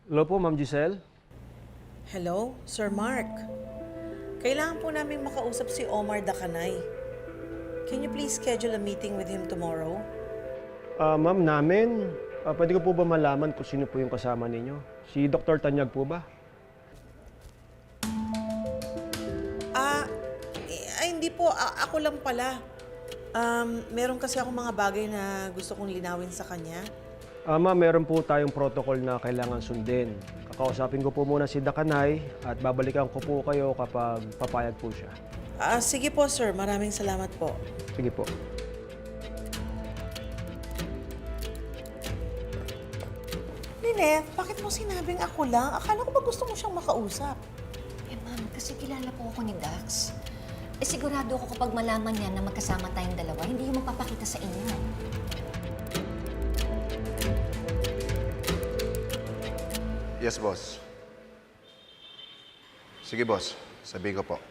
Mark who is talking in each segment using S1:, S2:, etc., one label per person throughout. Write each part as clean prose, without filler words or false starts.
S1: Hello po, Ma'am Giselle.
S2: Hello, Sir Mark. Kailangan po namin makausap si Omar Dacanay. Can you please schedule a meeting with him tomorrow?
S1: Ma'am, pwede ko po ba malaman kung sino po yung kasama ninyo? Si Dr. Tanyag po ba?
S2: Hindi po. Ako lang pala. Meron kasi ako mga bagay na gusto kong linawin sa kanya.
S1: Ma'am, meron po tayong protocol na kailangan sundin. Kakausapin ko po muna si Dacanay at babalikan ko po kayo kapag papayag po siya.
S2: Sige po, sir. Maraming salamat po.
S1: Sige po.
S2: Lynette, bakit mo sinabing ako lang? Akala ko ba gusto mo siyang makausap?
S3: Eh, ma'am, kasi kilala po ako ni Dax. Eh, sigurado ako kapag malaman niya na magkasama tayong dalawa, hindi yung magpapakita sa inyo.
S4: Yes, boss. Sige, boss. Sabihin ko po.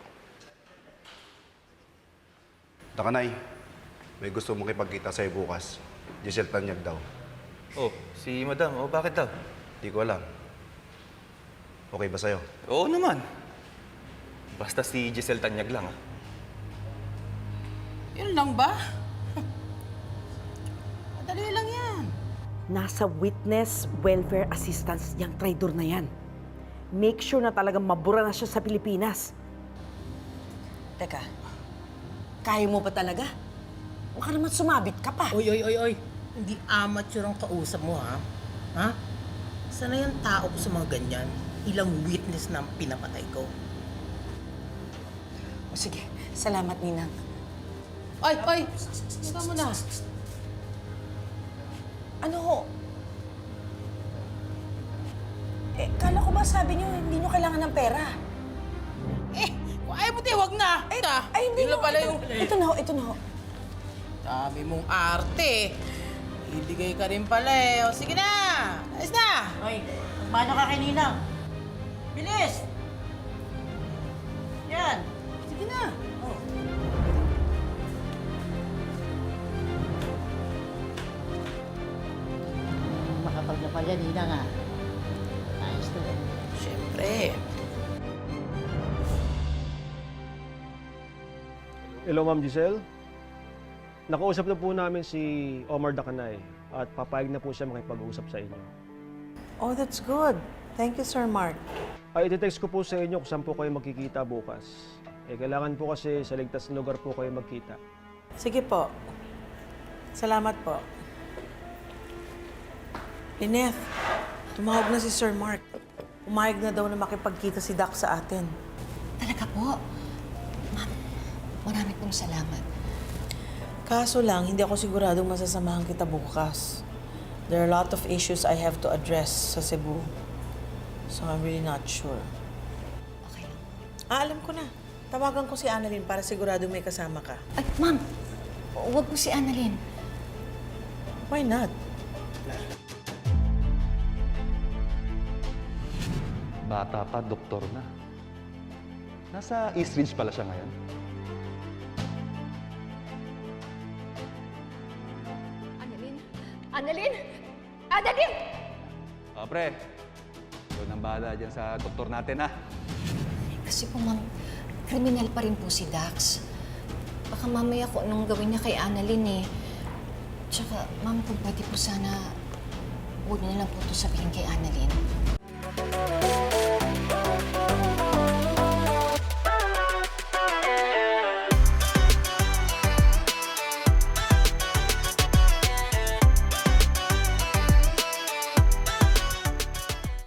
S4: Dacanay, may gusto mong ipagkita sa'yo bukas. Giselle Tanyag daw.
S5: Oh, si Madam. Oh, bakit daw?
S4: Di ko alam. Okay ba sa'yo?
S5: Oo naman. Basta si Giselle Tanyag lang, ah.
S6: Yun lang ba? Madali lang yan.
S7: Nasa witness welfare assistance yung traidor na yan. Make sure na talagang mabura na siya sa Pilipinas.
S2: Teka, kaya mo ba talaga? Huwag ka naman sumabit ka pa.
S6: Oy. Hindi amateur ang kausap mo, ha? Ha? Sana yung tao ko sa mga ganyan? Ilang witness na ang pinapatay ko.
S2: O sige, salamat, Ninang.
S6: Ay! Saka mo na.
S2: Ano ho? Kala ko ba sabi niyo hindi niyo kailangan ng pera?
S6: Kung ayaw mo, wag na.
S2: Hindi
S6: Yun na
S2: ho.
S6: pala yung...
S2: Ito na ho.
S6: Sabi mong arte. Ibigay ka rin pala eh. O sige na. Ayos na.
S8: Hoy, paano ka kanina? Bilis! Yan!
S6: Sige na.
S8: Makapal na pala, Nina nga. Ayos na rin.
S6: Siyempre.
S1: Hello, Ma'am Giselle. Nakausap na po namin si Omar Dacanay at papayag na po siya makipag-usap sa inyo.
S2: Oh, that's good. Thank you, Sir Mark.
S1: Iti-text ko po sa inyo kung saan po kayo magkikita bukas. Kailangan po kasi sa ligtas na lugar po kayo magkita.
S2: Sige po. Salamat po. Lynette, tumawag na si Sir Mark. Umayag na daw na makipagkita si Doc sa atin.
S3: Talaga po? Ma'am, marami pong salamat.
S2: Kaso lang, hindi ako siguradong masasamahan kita bukas. There are a lot of issues I have to address sa Cebu. So I'm really not sure.
S3: Okay lang.
S2: Alam ko na. Tawagan ko si Annalyn para siguradong may kasama ka.
S3: Ay, ma'am, huwag po si Annalyn.
S2: Why not?
S9: Bata pa, doktor na. Nasa East Ridge pala siya ngayon.
S3: Annalyn! Annalyn!
S9: Pre, ikaw nang bahala dyan sa doktor natin, ha?
S3: Kasi po, ma'am, kriminal pa rin po si Dax. Baka mamaya kung anong gawin niya kay Annalyn eh. Tsaka, ma'am, kung pwede po sana, huwag niyo na lang po ito sabihin kay Annalyn.